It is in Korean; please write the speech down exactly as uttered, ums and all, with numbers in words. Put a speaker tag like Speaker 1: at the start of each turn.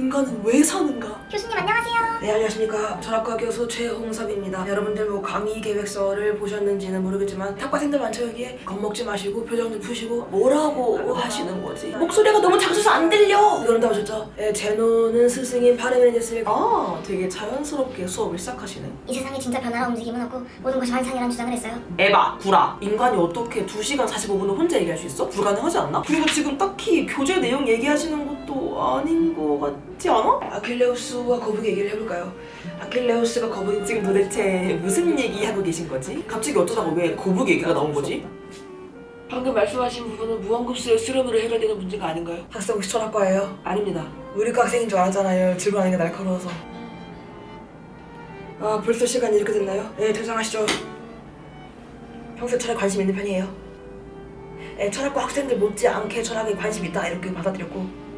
Speaker 1: 인간은 왜 사는가?
Speaker 2: 교수님 안녕하세요.
Speaker 1: 네, 안녕하십니까. 철학과 교수 최홍섭입니다. 여러분들 뭐 강의 계획서를 보셨는지는 모르겠지만 학과생들 많죠 여기에? 겁먹지 마시고 표정 좀 푸시고 뭐라고 하시는 거지? 목소리가 너무 작아서 안 들려! 그런다 하셨죠? 네, 제노는 스승인 파르메니데스를 아 되게 자연스럽게 수업을 시작하시네.
Speaker 2: 이 세상에 진짜 변화와 움직임은 없고 모든 것이 환상이라는 주장을 했어요.
Speaker 1: 에바, 구라. 인간이 어떻게 두 시간 사십오 분을 혼자 얘기할 수 있어? 불가능하지 않나? 그리고 지금 딱히 교재 내용 얘기하시는 것도 아닌 것 같지 않아? 아킬레우스와 거북이 얘기를 해볼까요? 아킬레우스가 거북이 지금 도대체 무슨 얘기하고 계신 거지? 갑자기 어쩌다가 왜 거북이 얘기가 나온 거지? 방금 말씀하신 부분은 무한급수의 수렴으로 해결되는 문제가 아닌가요? 학생 혹시 철학과예요? 아닙니다. 우리 과 학생인 줄 알았잖아요. 질문하는 게 날카로워서. 아, 벌써 시간이 이렇게 됐나요? 네, 퇴장하시죠. 평소에 철학에 관심 있는 편이에요. 네, 철학과 학생들 못지않게 철학에 관심 있다 이렇게 받아들였고